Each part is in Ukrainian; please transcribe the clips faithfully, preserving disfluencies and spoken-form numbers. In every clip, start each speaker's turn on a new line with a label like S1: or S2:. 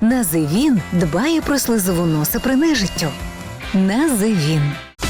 S1: Називін дбає про слизову носа при нежиттю. Називін.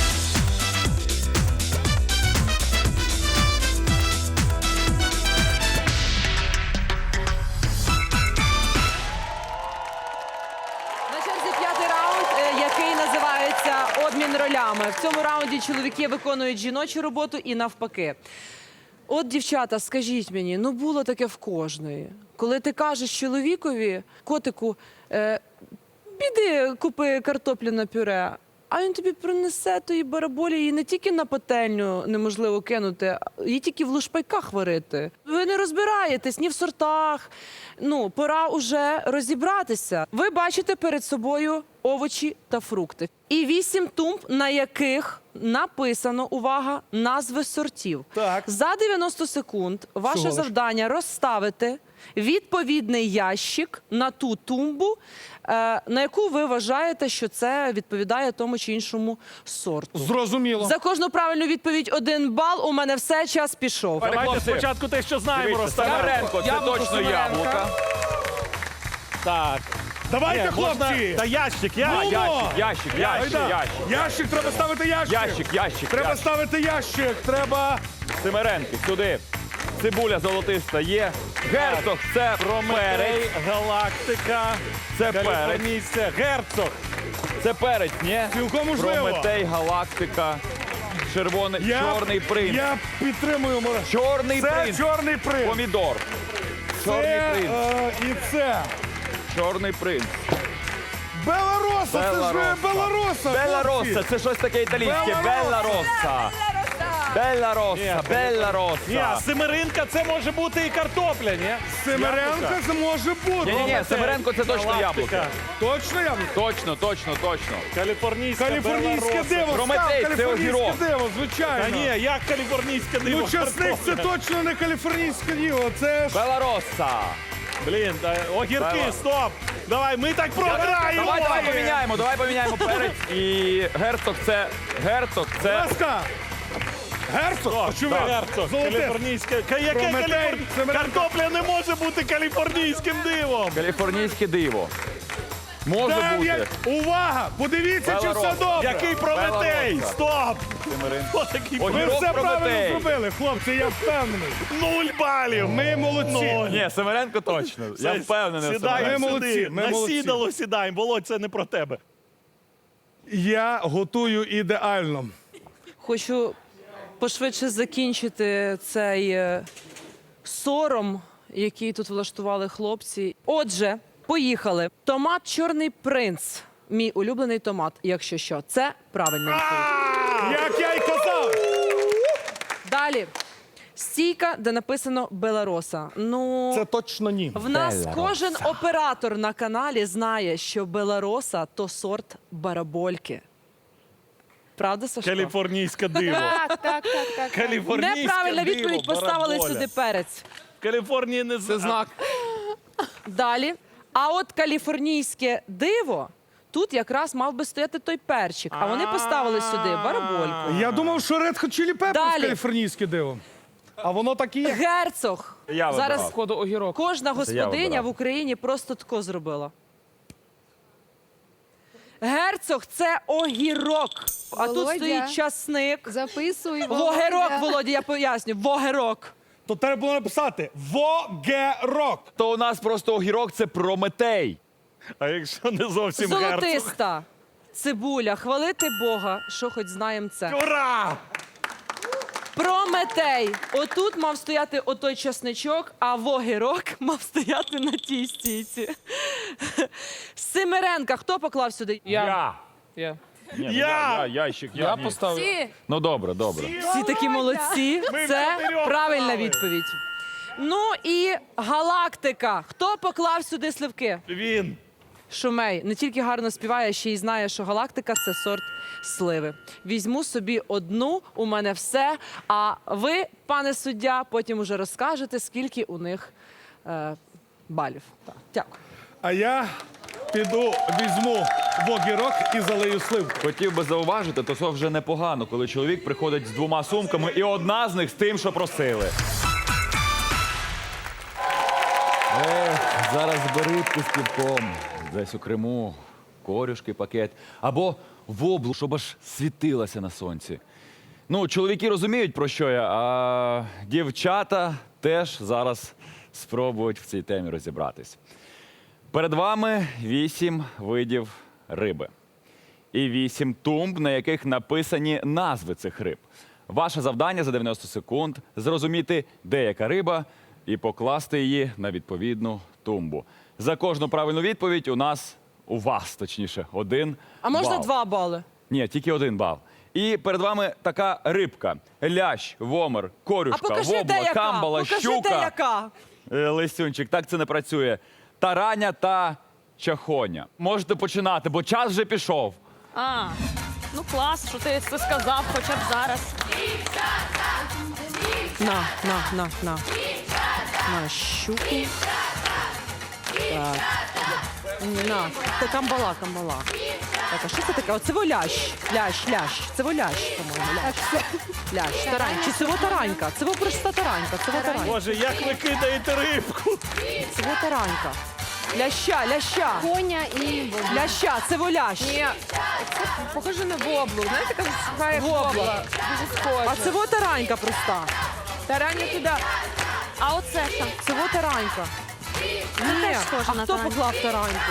S2: На черзі п'ятий раунд, е, який називається «Обмін ролями». В цьому раунді чоловіки виконують жіночу роботу і навпаки. От, дівчата, скажіть мені, ну було таке в кожної. Коли ти кажеш чоловікові, котику, е, піди купи картоплю на пюре, а він тобі принесе тої бараболі, її не тільки на пательню неможливо кинути, її тільки в лушпайках варити. Ви не розбираєтесь ні в сортах. Ну, пора уже розібратися. Ви бачите перед собою овочі та фрукти. І вісім тумб, на яких написано, увага, назви сортів.
S3: Так.
S2: За дев'яносто секунд ваше
S3: Всього лиш.
S2: завдання розставити відповідний ящик на ту тумбу, е, на яку ви вважаєте, що це відповідає тому чи іншому сорту.
S3: Зрозуміло.
S2: За кожну правильну відповідь один бал. У мене все, час пішов.
S4: Давайте
S5: Хлопці,
S4: спочатку те, що знаємо,
S5: Дивіться,
S4: розставимо.
S5: Семеренко, це
S2: Яблуко
S5: точно
S2: Семеренка.
S5: яблука.
S4: Так.
S3: Давайте,
S4: Ні, можна-
S3: хлопці!
S4: Та ящик,
S5: А,
S4: ящик.
S5: ящик, ящик, ящик,
S3: Айда.
S5: ящик.
S3: Ящик, треба ставити ящик.
S5: Ящик, ящик,
S3: Треба
S5: ящик.
S3: ставити ящик. Треба.
S5: Семеренки, сюди. Цибуля золотиста є. Герцог, це
S4: Прометей,
S5: перець.
S4: галактика,
S5: Це перець.
S4: каліфорнійське, герцог.
S5: Це перець, ні?
S3: Цілком можливо.
S5: Прометей, галактика, червоний,
S3: Я,
S5: чорний принц.
S3: Я підтримую. Мора.
S5: Чорний
S3: Це
S5: принц.
S3: чорний принц.
S5: Помідор. Чорний
S3: Це,
S5: принц.
S3: е, і це.
S5: Чорний принц.
S3: Белароса, це ж
S5: Белароса.
S3: Белароса.
S5: Белла-Росса, це щось таке італійське.
S3: Белла-Росса.
S5: Белла-Росса. Белла-Росса,
S4: Ні,
S5: Белла-Росса.
S4: семеринка це може бути і картопля, ні?
S3: Семеренка
S4: Яблука.
S3: це може бути.
S5: Ні-ні-ні, Семеренко це точно
S4: Галактика.
S5: яблуко.
S3: Точно яблуко?
S5: Точно, точно, точно.
S4: Каліфорнійське,
S3: Каліфорнійське
S4: Белла-Росса.
S3: диво.
S5: Прометей,
S3: став,
S5: це
S3: каліфорнійське
S5: огірок.
S3: диво,
S4: Та
S3: звичайно.
S4: ні, як каліфорнійське диво?
S3: Ну, часник це
S4: картопля?
S3: точно не каліфорнійське диво. Це ж...
S5: Белла-Росса.
S4: Блін, та, огірки,
S5: Давай.
S4: стоп! Давай, ми так програємо!
S5: Давай, давай поміняємо, давай поміняємо перець. І герцог це, герцог це,
S3: Ласка. Герцог?
S4: О,
S3: Очевидно.
S4: герцог,
S3: Золоте.
S4: каліфорнійське. Ка- Яке
S3: Прометей,
S4: каліфор...
S3: Семеренко.
S4: Картопля не може бути каліфорнійським дивом!
S5: каліфорнійське диво. Може
S3: Дев'ять.
S5: бути.
S3: Увага! Подивіться, чи все
S5: Белароса.
S3: добре.
S4: Який Прометей?
S5: Белла-Росса.
S4: Стоп!
S5: Семеренко.
S4: Хто такий
S5: Огірок.
S3: Ми
S4: Прометей?
S3: все правильно
S5: Прометей.
S3: зробили, хлопці, я впевнений.
S4: Нуль балів!
S3: Ми молодці.
S4: Нуль.
S5: Ні, Семеренко точно. Я
S4: Все,
S5: впевнений в
S4: Сідаємо
S3: Ми
S5: Семеренко.
S3: молодці,
S4: сюди.
S3: ми
S4: На
S3: молодці.
S4: сідало сідаємо. Володь, це не про тебе.
S3: Я готую ідеально.
S2: Хочу пошвидше закінчити цей е, сором, який тут влаштували хлопці. Отже, поїхали. Томат «Чорний принц». Мій улюблений томат, якщо що. Це правильна відповідь.
S3: Як я й казав.
S2: Далі. Стійка, де написано «Белароса». Ну,
S3: Це точно ні.
S2: в нас кожен оператор на каналі знає, що «Белароса» – то сорт барабольки. Правда, Сашко?
S4: Каліфорнійське диво.
S6: Так, так, так, так.
S4: Каліфорнійське
S2: Неправильна
S4: диво,
S2: відповідь, поставили
S4: бараболя.
S2: сюди перець.
S4: В Каліфорнії не
S5: Це знак.
S2: Далі. А от каліфорнійське диво, тут якраз мав би стояти той перчик. А вони поставили сюди барабольку.
S3: Я думав, що Red Hot Chili Peppers
S2: Далі.
S3: каліфорнійське диво. А воно так і є.
S2: Герцог.
S5: Я
S2: Зараз
S5: вибирав.
S2: кожна
S5: я
S2: господиня
S5: вибирав.
S2: в Україні просто тако зробила. Герцог – це огірок. А тут
S6: Володя.
S2: стоїть часник.
S6: Записуй.
S2: Вогерок,
S6: Володя.
S2: Володя, я поясню. Вогерок.
S3: То треба було написати Вогерок.
S5: То у нас просто огірок це Прометей.
S4: А якщо не зовсім герцог?
S2: Золотиста. Цибуля. Хвалити Бога, що хоч знаємо це.
S4: Ура!
S2: Прометей. Отут мав стояти отой часничок, а вогірок мав стояти на тій стійці. Семеренка. Хто поклав сюди?
S5: Я.
S4: Я.
S5: Ні, ну,
S4: Я.
S5: я, ящик, я, ні.
S6: Всі.
S5: Ну добре, добре.
S2: Всі такі молодці.
S4: Ми
S2: Це
S4: чотирьох
S2: правильна
S4: поклали.
S2: відповідь. Ну і галактика. Хто поклав сюди сливки?
S4: Він.
S2: Шумей не тільки гарно співає, а ще й знає, що галактика це сорт сливи. Візьму собі одну, у мене все. А ви, пане суддя, потім уже розкажете, скільки у них е, балів. Так, дякую.
S3: А я піду візьму Вогерок і залию сливку.
S5: Хотів би зауважити, то це вже непогано, коли чоловік приходить з двома сумками, і одна з них з тим, що просили. зараз бери рибку з півком, десь у Криму, корюшки, пакет, або воблу, щоб аж світилася на сонці. Ну, чоловіки розуміють, про що я, а дівчата теж зараз спробують в цій темі розібратись. Перед вами вісім видів риби. І вісім тумб, на яких написані назви цих риб. Ваше завдання за дев'яносто секунд – зрозуміти, де яка риба, і покласти її на відповідну тумбу. За кожну правильну відповідь у нас, у вас, точніше, один
S2: А можна
S5: бал.
S2: два бали?
S5: Ні, тільки один бал. І перед вами така рибка. Лящ, вомер,
S2: А
S5: корюшка,
S2: покажи, де
S5: вобла,
S2: яка?
S5: камбала,
S2: Покажи,
S5: щука.
S2: де яка?
S5: Е, Лисюнчик, так це не працює. Тараня та чахоня. Можете починати, бо час вже пішов.
S6: А, ну клас, що ти це сказав хоча б зараз.
S2: На, на, на, на. На щуку. Так. На, це камбала, камбала. Так, а що це таке? Оце волящ. Лящ, лящ. Це волящ, по-моєму. Лящ. Лящ, тарань. Чи це во таранька? Це во просто таранька. Це во таранька.
S4: Боже, як ви кидаєте рибку?
S2: Це во таранька. Ляща, ляща.
S7: Коня і воблу.
S2: Ляща, це волящ.
S7: Ні, це похоже на воблу. Знаєте, така сухая як
S2: Вобла.
S7: вобла. Дуже схоже.
S2: А це во таранька проста.
S7: Тарання туди.
S6: А оце що?
S2: Це во таранька. Ні,
S6: теж схоже
S2: а
S6: на
S2: хто
S6: тараньку.
S2: поклав тараньку?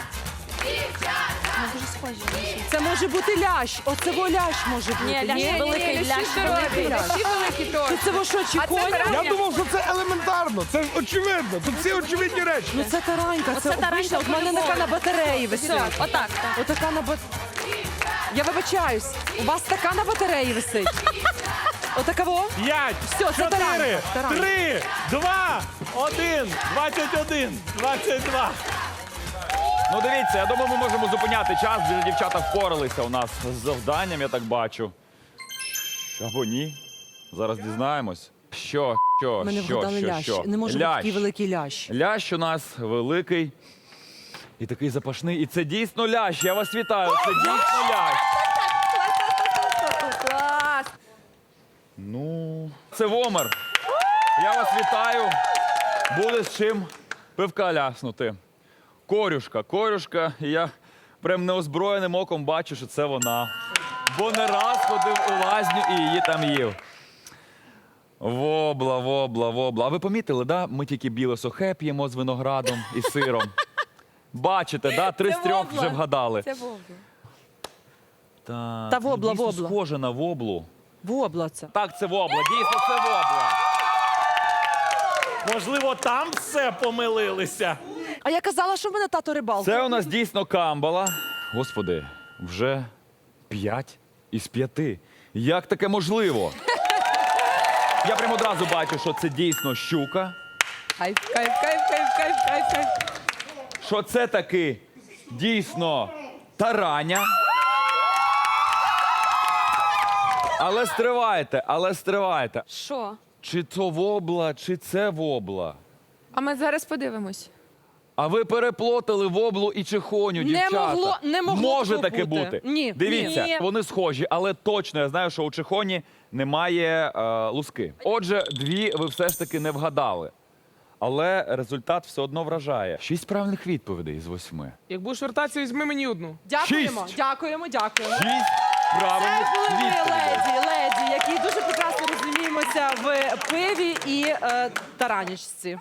S6: Ну, дуже схожі.
S2: Це може бути лящ. Оце во лящ може бути.
S6: Ні, лящ великий, лящ
S7: здорові.
S2: лящ.
S7: Всі великі
S2: Чи
S7: точно.
S2: це во що, чи
S7: А це
S2: коня?
S7: тарань?
S3: Я думав, що це елементарно, це ж очевидно. Тут всі очевидні речі.
S2: Ну це таранька, це
S6: таранька
S2: обична. От в мене
S6: по-любому.
S2: така на батареї
S6: Все,
S2: висить.
S6: отак. так.
S2: Отака на бат... Я вибачаюсь, у вас така на батареї висить. Отака во?
S4: П'ять,
S2: Все, це
S4: чотири,
S2: таранька, таранька.
S4: три, два, один, двадцять один, двадцять два.
S5: Ну дивіться, я думаю, ми можемо зупиняти час, бо дівчата впоралися у нас з завданням, я так бачу. Або ні. Зараз дізнаємось. Що, що,
S2: Ми не
S5: що,
S2: вгадали
S5: що,
S2: лящ.
S5: що?
S2: Не може бути
S5: Лящ.
S2: такий великий лящ.
S5: Лящ у нас великий і такий запашний. І це дійсно лящ. Я вас вітаю. Це дійсно лящ.
S7: Клас.
S5: Ну, це вомер. Я вас вітаю. Буде з чим пивка ляснути. Корюшка, корюшка. І я прям неозброєним оком бачу, що це вона. Бо не раз ходив у лазню і її там їв. Вобла, вобла, вобла. А ви помітили, да? Ми тільки біле сухе п'ємо з виноградом і сиром. Бачите, да? Три з трьох
S7: вобла.
S5: вже вгадали.
S7: Це вобла.
S5: Так,
S2: Та вобла,
S5: дійсно
S2: вобла.
S5: схоже на воблу.
S2: Вобла це.
S5: Так, це вобла, дійсно це вобла.
S4: Можливо, там все помилилися.
S2: А я казала, що в мене тато рибалка.
S5: Це у нас дійсно камбала. Господи, вже п'ять із п'яти. Як таке можливо? Я прямо одразу бачу, що це дійсно щука.
S7: Кайф, кайф, кайф, кайф, кайф, кайф, кайф.
S5: Що це таки дійсно тараня. Але стривайте, але стривайте.
S6: Що?
S5: Чи то вобла, чи це вобла?
S7: А ми зараз подивимось.
S5: А ви переплотали воблу і чехоню,
S2: Не
S5: дівчата.
S2: могло- не могло
S5: Може
S2: такого
S5: таке
S2: бути.
S5: бути.
S2: Ні.
S5: Дивіться,
S2: Ні.
S5: вони схожі, але точно я знаю, що у чехоні немає е, луски. Отже, дві ви все ж таки не вгадали. Але результат все одно вражає. Шість правильних відповідей з восьми.
S8: Як будеш вертатися, візьми мені одну.
S2: Дякуємо,
S5: Шість.
S2: дякуємо, дякуємо.
S5: Шість
S2: Це
S5: правильних
S2: були ми
S5: відповідей.
S2: леді, леді, які дуже прекрасно розуміємося в пиві і е, таранічці.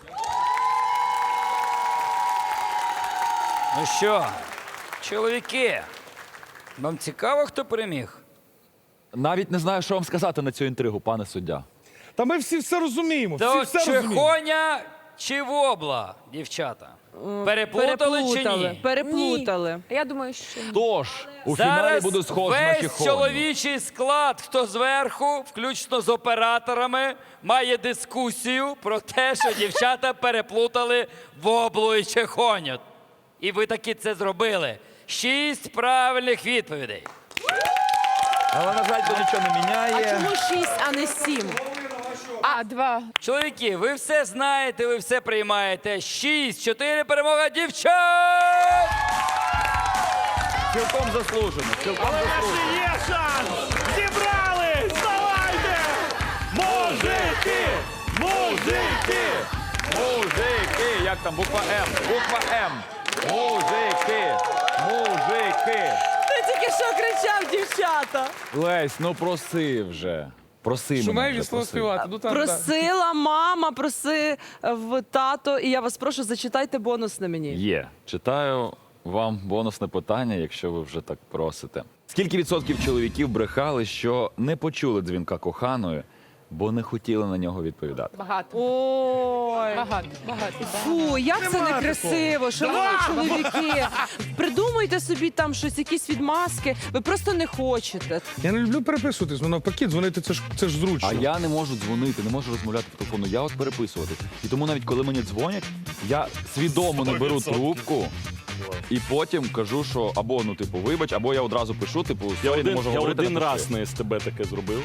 S9: Ну що, чоловіки, вам цікаво, хто переміг?
S5: Навіть не знаю, що вам сказати на цю інтригу, пане суддя.
S3: Та ми всі все розуміємо. Всі
S9: То
S3: все розуміємо.
S9: чехоня чи вобла, дівчата? Переплутали, чи ні?
S2: Переплутали.
S7: Я думаю, що ні.
S5: Тож, у фіналі
S9: Зараз
S5: буде схож на
S9: весь
S5: чехоню.
S9: чоловічий склад, хто зверху, включно з операторами, має дискусію про те, що дівчата переплутали воблу і чехоню. І ви таки це зробили. Шість правильних відповідей.
S5: Але, на жаль, то нічого не
S2: А
S5: міняє.
S2: чому шість, а не сім?
S7: А, два.
S9: Чоловіки, ви все знаєте, ви все приймаєте. Шість, чотири, перемога дівчат!
S5: Цілком заслужено. Цілком заслужено.
S4: Є шанс! Зібрались! Давайте! Мужики! Мужики!
S5: Мужики, як як там, буква М, буква М. Мужики, мужики.
S2: Ти тільки що кричав, дівчата.
S5: Лесь, ну проси вже. Проси
S8: Шумей
S5: мене вже,
S8: від слова
S5: проси.
S8: співати. Ну, там, так.
S2: Просила мама, просив тато, і я вас прошу, зачитайте бонус на мені.
S5: Є. Читаю вам бонусне питання, якщо ви вже так просите. Скільки відсотків чоловіків брехали, що не почули дзвінка коханої, бо не хотіли на нього відповідати?
S7: Багато.
S2: Ой.
S7: Багато. Багато.
S2: Фу, як це некрасиво, шановні чоловіки. Придумайте собі там щось, якісь відмазки. Ви просто не хочете.
S3: Я не люблю переписуватись, ну навпаки, дзвонити це ж це ж зручно.
S5: А я не можу дзвонити, не можу розмовляти по телефону. Я от переписувати. І тому навіть коли мені дзвонять, я свідомо не беру трубку. І потім кажу, що або ну типу вибач, або я одразу пишу, типу,
S4: Я
S5: сорі, не
S4: один,
S5: можу
S4: я
S5: говорити.
S4: один
S5: напиши.
S4: раз на СТБ таке зробив.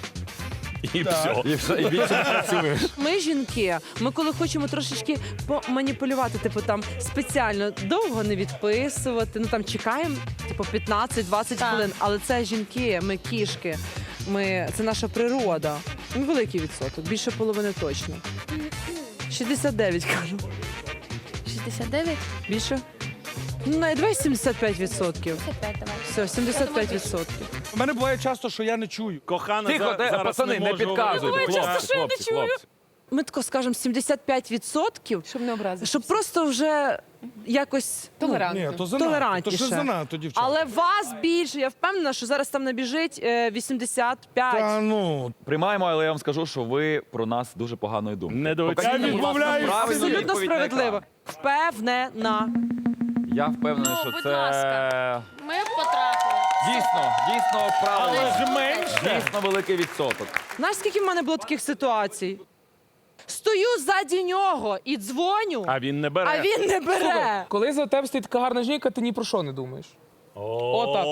S4: І все.
S5: І все, і більше не працюєш.
S2: Ми, жінки, ми коли хочемо трошечки поманіпулювати, типу там спеціально довго не відписувати, ну там чекаємо, типу п'ятнадцять-двадцять
S6: Так.
S2: хвилин. Але це жінки, ми кішки, ми, це наша природа. Ну, великий відсоток, більше половини точно. шістдесят дев'ять, кажу.
S7: шістдесят дев'ять?
S2: Більше? Ну, навіть давай сімдесят п'ять відсотків.
S7: п'ять давай.
S2: Все, сімдесят п'ять відсотків.
S3: У мене буває часто, що я не чую.
S4: Кохана,
S5: Тихо,
S4: за-
S5: де-
S4: зараз
S5: пацани, не
S4: можу
S5: підказуйте,
S4: говорити.
S5: хлопці,
S4: Хлопці,
S6: що я не
S4: хлопці,
S6: чую?
S4: хлопці.
S2: Ми тако скажемо сімдесят п'ять відсотків,
S7: Щоб не образити.
S2: щоб просто вже якось ну,
S7: Толерантно.
S3: Ні, то занадто. То
S2: толерантніше.
S3: що занадто, дівчата.
S2: Але вас більше. Я впевнена, що зараз там набіжить е, вісімдесят п'ять.
S3: Та ну,
S5: Приймаємо, але я вам скажу, що ви про нас дуже поганої думки.
S4: Недооцінюємо.
S5: Покажіть, будь ласка,
S3: відмовляюсь.
S5: правильну
S2: Абсолютно
S5: відповідь на
S2: справедливо.
S5: екран.
S2: Впевнена.
S5: Я впевнений,
S6: Ну,
S5: що
S6: будь
S5: це
S6: ласка. Ми потрапили.
S5: дійсно, дійсно правильно.
S4: Але ж менше.
S5: Дійсно великий відсоток.
S2: Знаєш, скільки в мене було таких ситуацій? Стою ззаді нього і дзвоню,
S4: А він не бере.
S2: а він не бере.
S8: Коли за тебе стоїть така гарна жінка, ти ні про що не думаєш. Отак.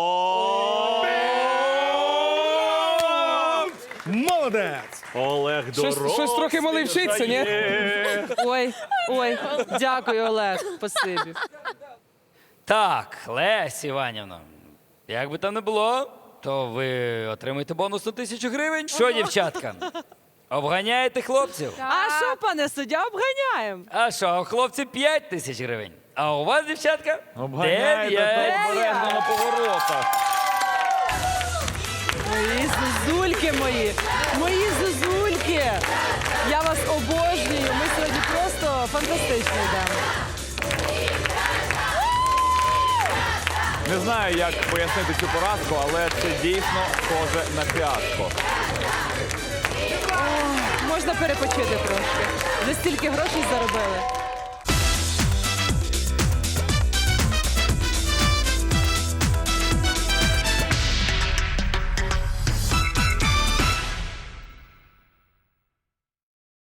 S3: молодець!
S4: Олег
S8: Щось-
S4: дорослий.
S8: щось трохи малий вчиться, ні?
S4: вже є.
S2: Ой, ой, дякую, Олег. Спасибі.
S9: Так, Лесь Іванівна, як би там не було, то ви отримаєте бонус на тисячу гривень. Що, дівчатка? Обганяєте хлопців?
S2: А що, пане суддя, обганяємо?
S9: А що, у хлопців п'ять тисяч гривень? А у вас, дівчатка?
S5: Обганяйте
S9: дев'ять.
S5: обережно на поворотах.
S2: Мої зозульки мої, мої зозульки. Я вас обожнюю. Ми сьогодні просто фантастично йдемо.
S5: Не знаю, як пояснити цю поразку, але це дійсно схоже на фіаско.
S2: Можна перепочити трошки. Ви стільки грошей заробили.